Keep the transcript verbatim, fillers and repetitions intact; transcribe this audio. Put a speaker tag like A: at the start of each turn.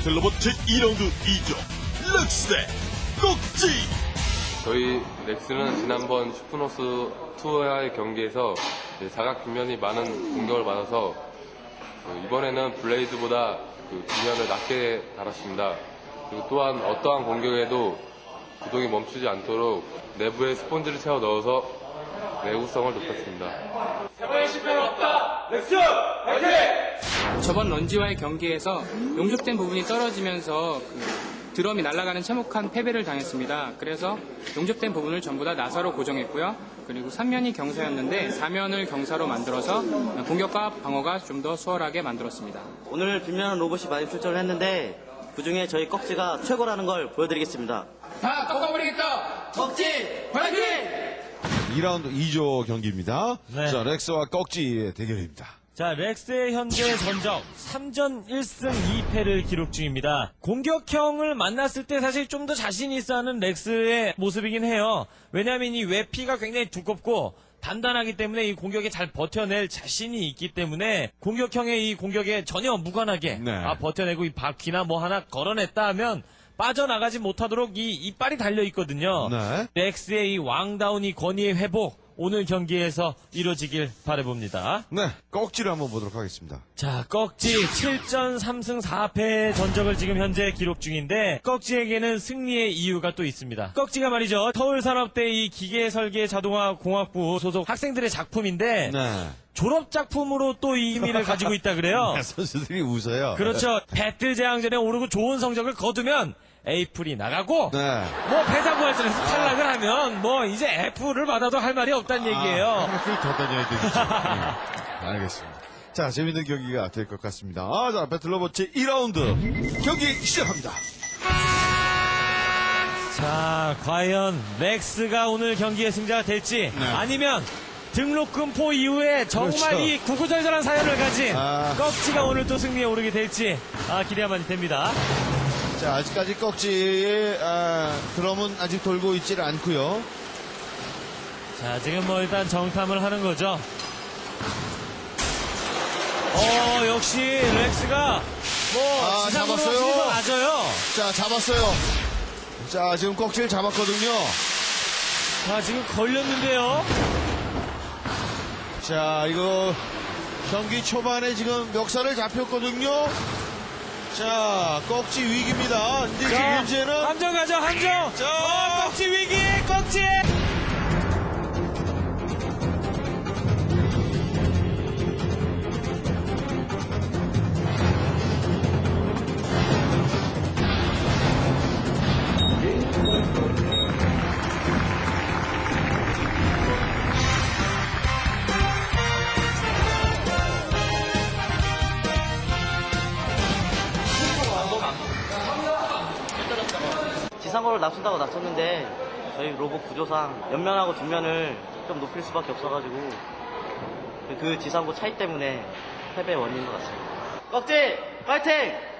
A: 배틀로봇 제이 라운드 이 점 렉스 대 꼭지.
B: 저희 렉스는 지난번 슈퍼노스 투어의 경기에서 사각 뒷면이 많은 공격을 받아서 이번에는 블레이드보다 그 뒷면을 낮게 달았습니다. 그리고 또한 어떠한 공격에도 구동이 멈추지 않도록 내부에 스폰지를 채워 넣어서 내구성을 높였습니다.
C: 이번에 실패는 없다. 렉스 화이팅!
D: 저번 런지와의 경기에서 용접된 부분이 떨어지면서 그 드럼이 날아가는 참혹한 패배를 당했습니다. 그래서 용접된 부분을 전부 다 나사로 고정했고요. 그리고 삼 면이 경사였는데 사 면을 경사로 만들어서 공격과 방어가 좀 더 수월하게 만들었습니다.
E: 오늘 뒷면 로봇이 많이 출전을 했는데 그중에 저희 꺽지가 최고라는 걸 보여드리겠습니다.
D: 다 꺾어버리겠다!
E: 꺽지 화이팅!
F: 이 라운드 이 조 경기입니다.
G: 네.
F: 자, 렉스와 꺽지의 대결입니다.
G: 자, 렉스의 현재 전적 삼 전 일 승 이 패를 기록 중입니다. 공격형을 만났을 때 사실 좀 더 자신 있어 하는 렉스의 모습이긴 해요. 왜냐하면 이 외피가 굉장히 두껍고 단단하기 때문에 이 공격에 잘 버텨낼 자신이 있기 때문에 공격형의 이 공격에 전혀 무관하게
F: 네.
G: 아, 버텨내고 이 바퀴나 뭐 하나 걸어냈다 하면 빠져나가지 못하도록 이 이빨이 달려 있거든요.
F: 네.
G: 렉스의 이 왕다운 이 권위의 회복 오늘 경기에서 이루어지길 바라봅니다.
F: 네, 꺽지를 한번 보도록 하겠습니다.
G: 자, 꺽지 칠 전 삼 승 사 패의 전적을 지금 현재 기록 중인데 꺽지에게는 승리의 이유가 또 있습니다. 꺽지가 말이죠. 서울산업대 이 기계설계 자동화 공학부 소속 학생들의 작품인데
F: 네.
G: 졸업 작품으로 또 이 의미를 가지고 있다 그래요.
F: 선수들이 웃어요.
G: 그렇죠. 배틀 제왕전에 오르고 좋은 성적을 거두면 에이플이 나가고
F: 네.
G: 뭐 패자부활전에서 탈락을 하면 뭐 이제 F를 받아도 할 말이 없다는 얘기예요.
F: 하나씩 더 다녀야 되겠죠. 네. 알겠습니다. 자, 재밌는 경기가 될 것 같습니다. 아, 자, 배틀로봇 제이 라운드 경기 시작합니다.
G: 자, 과연 렉스가 오늘 경기의 승자가 될지
F: 네.
G: 아니면 등록금포 이후에 정말
F: 그렇죠.
G: 이 구구절절한 사연을 가진
F: 아.
G: 꺽지가 오늘 또 승리에 오르게 될지 아, 기대가 많이 됩니다.
F: 자, 아직까지 꺽지의 아, 드럼은 아직 돌고 있질 않고요.
G: 자, 지금 뭐 일단 정탐을 하는 거죠. 어, 역시 렉스가 뭐
F: 아,
G: 지상으로
F: 잡았어요.
G: 힘이 더 낮아요.
F: 자, 잡았어요. 자, 지금 꺽지를 잡았거든요.
G: 자, 지금 걸렸는데요.
F: 자, 이거 경기 초반에 지금 멱살을 잡혔거든요. 자, 꺽지 위기입니다. 근데 지금
G: 자,
F: 문제는
G: 함정 가죠, 함정.
F: 자.
G: 어, 꺽지 위기, 꺽지.
E: 지상고를 낮춘다고 낮췄는데 저희 로봇 구조상 옆면하고 뒷면을 좀 높일 수밖에 없어가지고 그, 그 지상고 차이 때문에 패배의 원인인 것 같습니다. 꺽지 화이팅!